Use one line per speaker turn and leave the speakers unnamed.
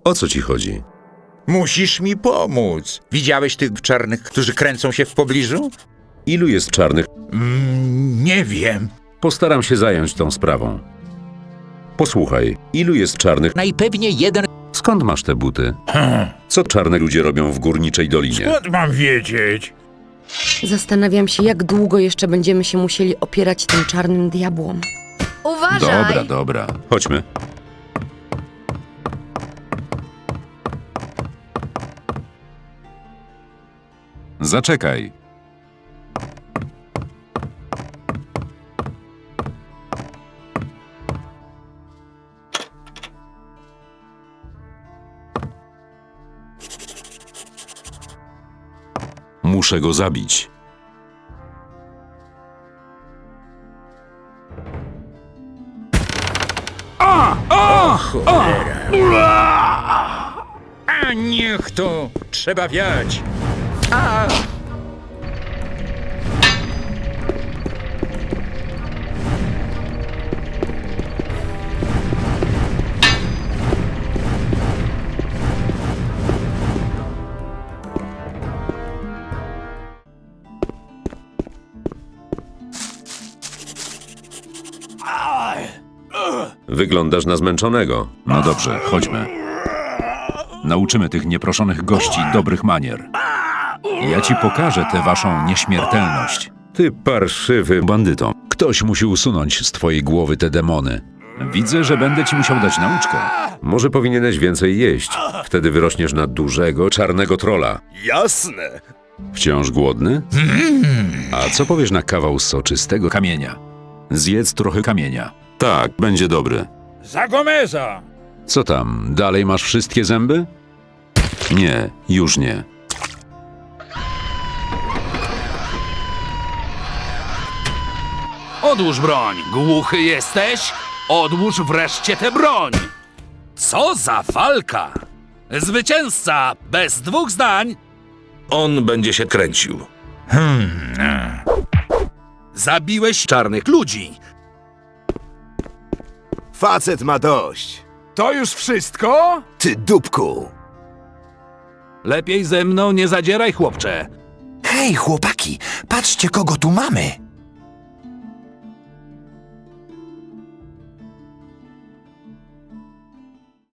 O co ci chodzi?
Musisz mi pomóc. Widziałeś tych czarnych, którzy kręcą się w pobliżu?
Ilu jest czarnych?
Nie wiem.
Postaram się zająć tą sprawą. Posłuchaj, ilu jest czarnych?
Najpewniej jeden.
Skąd masz te buty? Co czarne ludzie robią w Górniczej Dolinie?
Skąd mam wiedzieć?
Zastanawiam się, jak długo jeszcze będziemy się musieli opierać tym czarnym diabłom.
Uważaj!
Dobra. Chodźmy.
Zaczekaj.
Muszę go zabić.
A niech to! Trzeba wiać!
Wyglądasz na zmęczonego.
No dobrze, chodźmy. Nauczymy tych nieproszonych gości dobrych manier. Ja ci pokażę tę waszą nieśmiertelność.
Ty parszywy bandyto. Ktoś musi usunąć z twojej głowy te demony.
Widzę, że będę ci musiał dać nauczkę.
Może powinieneś więcej jeść. Wtedy wyrośniesz na dużego, czarnego trola.
Jasne.
Wciąż głodny? A co powiesz na kawał soczystego?
Kamienia.
Zjedz trochę
Kamienia.
Tak, będzie dobry.
Za Gomeza!
Co tam, dalej masz wszystkie zęby? Nie, już nie.
Odłóż broń! Głuchy jesteś? Odłóż wreszcie tę broń! Co za walka! Zwycięzca, bez dwóch zdań!
On będzie się kręcił.
Zabiłeś czarnych ludzi!
Facet ma dość.
To już wszystko?
Ty dupku.
Lepiej ze mną nie zadzieraj, chłopcze!
Hej, chłopaki, patrzcie, kogo tu mamy.